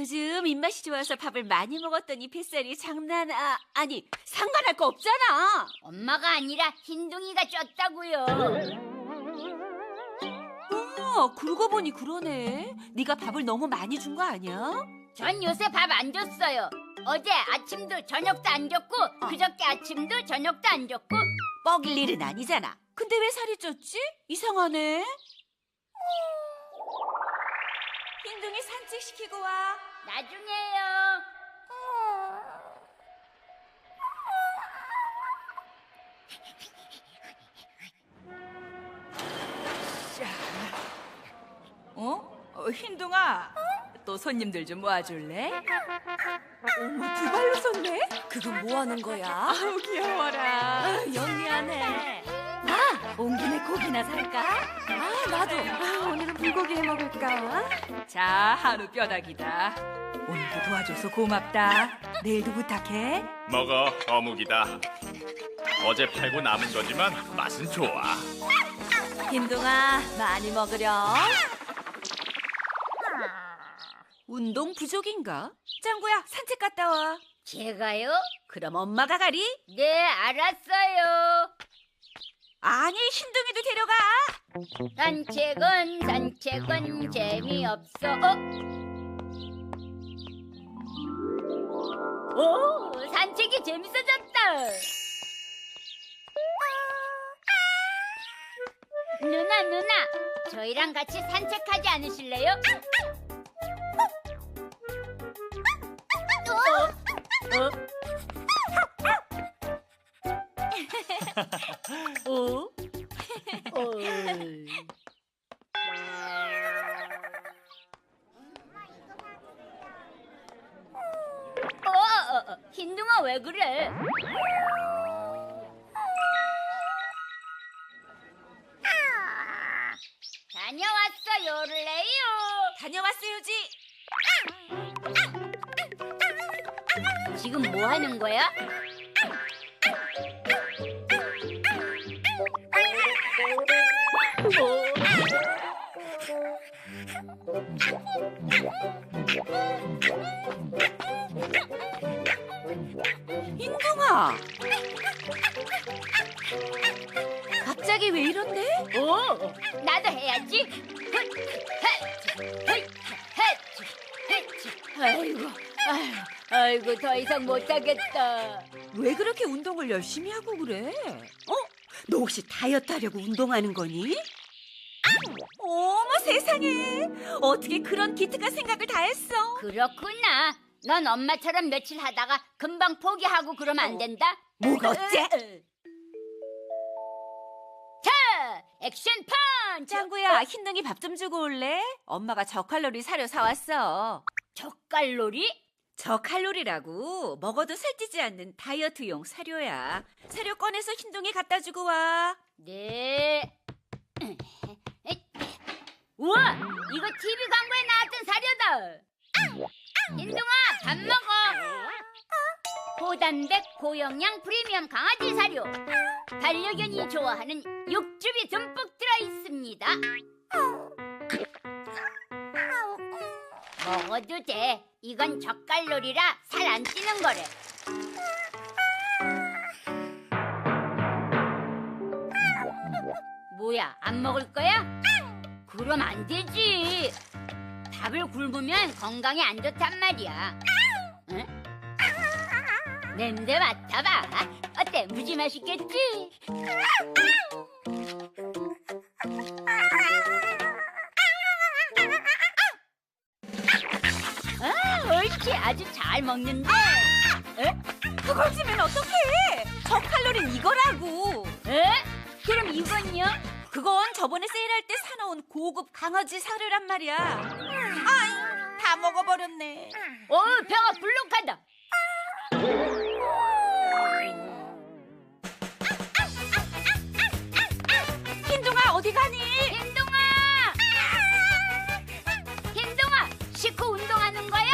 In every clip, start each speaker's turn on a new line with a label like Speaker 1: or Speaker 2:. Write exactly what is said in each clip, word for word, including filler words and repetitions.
Speaker 1: 요즘 입맛이 좋아서 밥을 많이 먹었더니 뱃살이 장난 아 아니 상관할 거 없잖아.
Speaker 2: 엄마가 아니라 흰둥이가 쪘다고요.
Speaker 1: 어, 그러고 보니 그러네. 네가 밥을 너무 많이 준 거 아니야?
Speaker 2: 전 요새 밥 안 줬어요. 어제 아침도 저녁도 안 줬고 그저께 아침도 저녁도 안 줬고.
Speaker 1: 뻐길 일은 아니잖아. 근데 왜 살이 쪘지? 이상하네. 흰둥이 산책시키고 와.
Speaker 2: 나중에요.
Speaker 3: 어? 어, 흰둥아, 또 손님들 좀 모아줄래? 어머, 두 발로 섰네?
Speaker 4: 그건 뭐 하는 거야?
Speaker 3: 아우, 귀여워라.
Speaker 4: 영리하네.
Speaker 1: 아, 온 김에 고기나 살까?
Speaker 4: 아, 나도. 아, 오늘은 불고기 해 먹을까?
Speaker 3: 자, 한우 뼈다귀다. 오늘도 도와줘서 고맙다. 내일도 부탁해.
Speaker 5: 먹어, 어묵이다. 어제 팔고 남은 거지만 맛은 좋아.
Speaker 4: 흰둥아, 많이 먹으렴.
Speaker 1: 운동 부족인가? 짱구야, 산책 갔다 와.
Speaker 2: 제가요?
Speaker 1: 그럼 엄마가 가리?
Speaker 2: 네, 알았어요.
Speaker 1: 아니, 흰둥이도 데려가.
Speaker 2: 산책은 산책은 재미없어. 어? 오, 산책이 재밌어졌다. 누나, 누나, 저희랑 같이 산책하지 않으실래요? 어? 어? 어? 어, 어, 어, 흰둥아 왜 그래? 다녀왔어요, 를레요.
Speaker 1: 다녀왔어요지.
Speaker 2: 지금 뭐 하는 거야?
Speaker 1: 흰둥아. 갑자기 왜 이런데?
Speaker 2: 오, 나도 해야지. 헛, 헛, 헛, 헛, 헛. 아이고, 아이고, 아이고, 더 이상 못하겠다.
Speaker 1: 왜 그렇게 운동을 열심히 하고 그래? 어? 너 혹시 다이어트 하려고 운동하는 거니? 어머 세상에. 어떻게 그런 기특한 생각을 다 했어?
Speaker 2: 그렇구나. 넌 엄마처럼 며칠 하다가 금방 포기하고 그러면 안 된다.
Speaker 1: 뭐가 어째?
Speaker 2: 자, 액션 펀치.
Speaker 1: 짱구야, 흰둥이 밥 좀 주고 올래? 엄마가 저칼로리 사료 사왔어.
Speaker 2: 저칼로리?
Speaker 1: 저칼로리라고 먹어도 살찌지 않는 다이어트용 사료야. 사료 꺼내서 흰둥이 갖다 주고 와.
Speaker 2: 네. 우와, 이거 티비 광고에 나왔던 사료다. 흰둥아, 밥 먹어. 고단백 고영양 프리미엄 강아지 사료. 반려견이 좋아하는 육즙이 듬뿍 들어있습니다. 먹어도 돼. 이건 저칼로리라 살 안 찌는 거래. 뭐야, 안 먹을 거야? 그럼 안 되지. 밥을 굶으면 건강에 안 좋단 말이야. 응? 냄새 맡아봐. 어때? 무지 맛있겠지? 아, 옳지. 아주 잘 먹는데. 에?
Speaker 1: 그걸 주면 어떡해? 저칼로리는 이거라고.
Speaker 2: 에? 그럼 이건요?
Speaker 1: 그건 저번에 세일할 때 사놓은 고급 강아지 사료란 말이야. 아이, 다 먹어버렸네.
Speaker 2: 어, 배가 불룩하다.
Speaker 1: 흰둥아, 어디 가니?
Speaker 2: 흰둥아! 흰둥아, 식후 운동하는 거야?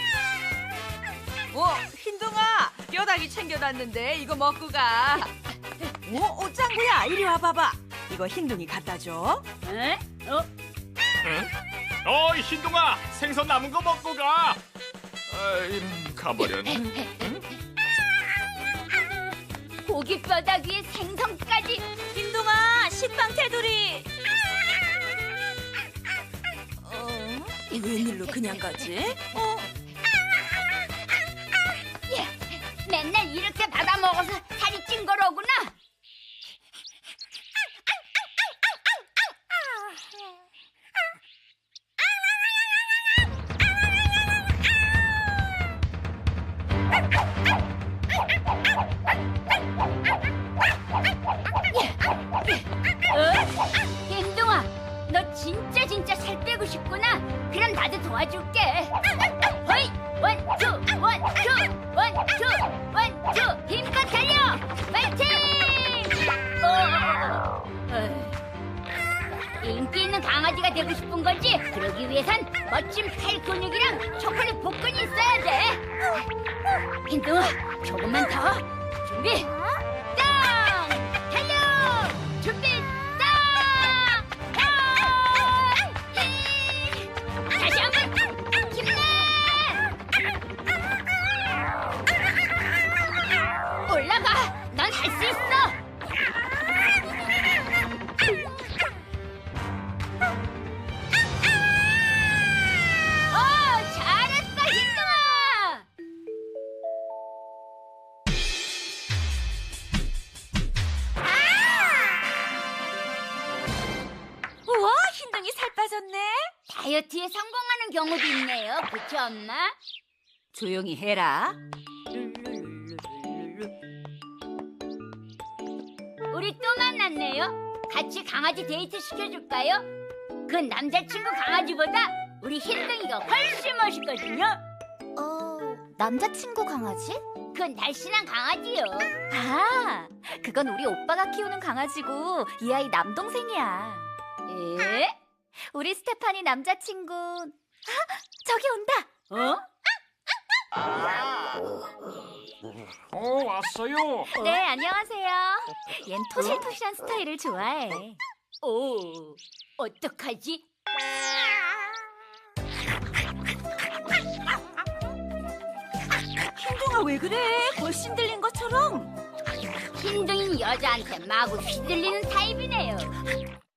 Speaker 3: 어, 흰둥아, 뼈다귀 챙겨놨는데 이거 먹고 가. 어, 어, 짱구야, 이리 와봐봐. 이거 흰둥이 갖다 줘.
Speaker 2: 에? 어?
Speaker 5: 응? 어이, 흰둥아, 생선 남은 거 먹고 가. 아, 이런 가버렸네.
Speaker 2: 고기 뼈다귀 위에 생선까지.
Speaker 1: 흰둥아, 식빵 테두리.
Speaker 4: 어? 웬일로 그냥 가지? 어?
Speaker 2: 맨날 이렇게 받아 먹어서 살이 찐 거로구나. 어? 흰둥아, 너 진짜 진짜 살 빼고 싶구나. 그럼 나도 도와줄게. 허이, 원투, 원투, 원투, 원투, 힘껏 달려. 파이팅! 어, 어. 인기 있는 강아지가 되고 싶은 거지. 그러기 위해선 멋진 팔 근육이랑 초콜릿 복근이 있어야 돼. 흰둥아, 조금만 더. 준비, 땅! 달려! 준비, 땅! 땅! 이! 다시 한번 힘내! 올라가! 넌 할 수 있어! 어, 잘했어, 흰둥아!
Speaker 1: 우와, 흰둥이 살 빠졌네.
Speaker 2: 다이어트에 성공하는 경우도 있네요. 그쵸, 엄마?
Speaker 1: 조용히 해라.
Speaker 2: 우리 또 만났네요. 같이 강아지 데이트 시켜줄까요? 그 남자친구 강아지보다 우리 흰둥이가 훨씬 멋있거든요.
Speaker 4: 어, 남자친구 강아지?
Speaker 2: 그건 날씬한 강아지요.
Speaker 4: 아, 그건 우리 오빠가 키우는 강아지고 이 아이 남동생이야.
Speaker 2: 에?
Speaker 4: 우리 스테파니 남자친구. 아, 저기 온다.
Speaker 2: 어?
Speaker 6: 어, 왔어요.
Speaker 4: 네, 안녕하세요. 얜 토실토실한 스타일을 좋아해.
Speaker 2: 오, 어떡하지?
Speaker 1: 흰둥아, 왜 그래? 벌신 들린 것처럼.
Speaker 2: 흰둥이는 여자한테 마구 휘둘리는 타입이네요.